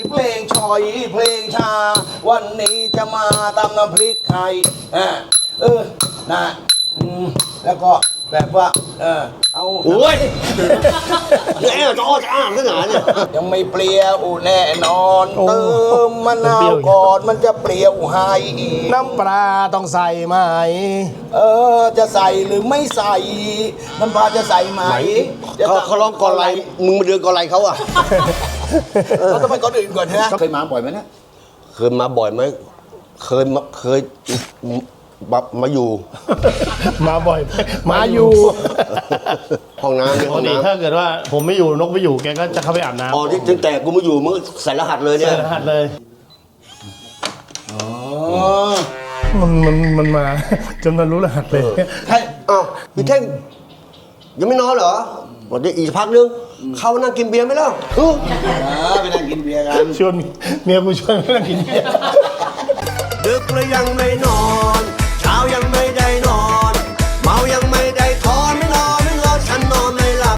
เพลงชอยเพลงชาวันนี้จะมาตำน้ำพริกไทยนะแล้วก็แบบว่าเอาโอ้ยเนี่ยจะอ้อจะอ้างขนาดเนี่ยยังไม่เปรี้ยวแน่นอนเติมมะนาวก่อนมันจะเปรี้ยวให้น้ำปลาต้องใส่ไหมจะใส่หรือไม่ใส่น้ำปลาจะใส่ไหมเขาร้องก่อนไรมึงมาเดือนก่อนไรเขาอ่ะเราต้องไปก่อนอื่นก่อนฮะเคยมาบ่อยไหมนะเคยมาบ่อยไหมเคยมาอยู่มาบ่อยมาอยู่ห้องน้ำปกติถ้าเกิดว่าผมไม่อยู่นกไม่อยู่แกก็จะเข้าไปอาบน้ำอ๋อตั้งแต่กูมาอยู่มึงใส่รหัสเลยเนี่ยใส่รหัสเลยมันมาจนมันรู้รหัสเลยใช่อ้าวพี่เท่งยังไม่นอนเหรอวันนี้อีกพักนึงเข้านั่งกินเบียร์ไหมล่ะไปนั่งกินเบียร์กันชวนเมียกูชวนไปนั่งกินเบียร์ดึกแล้วยังไม่นอน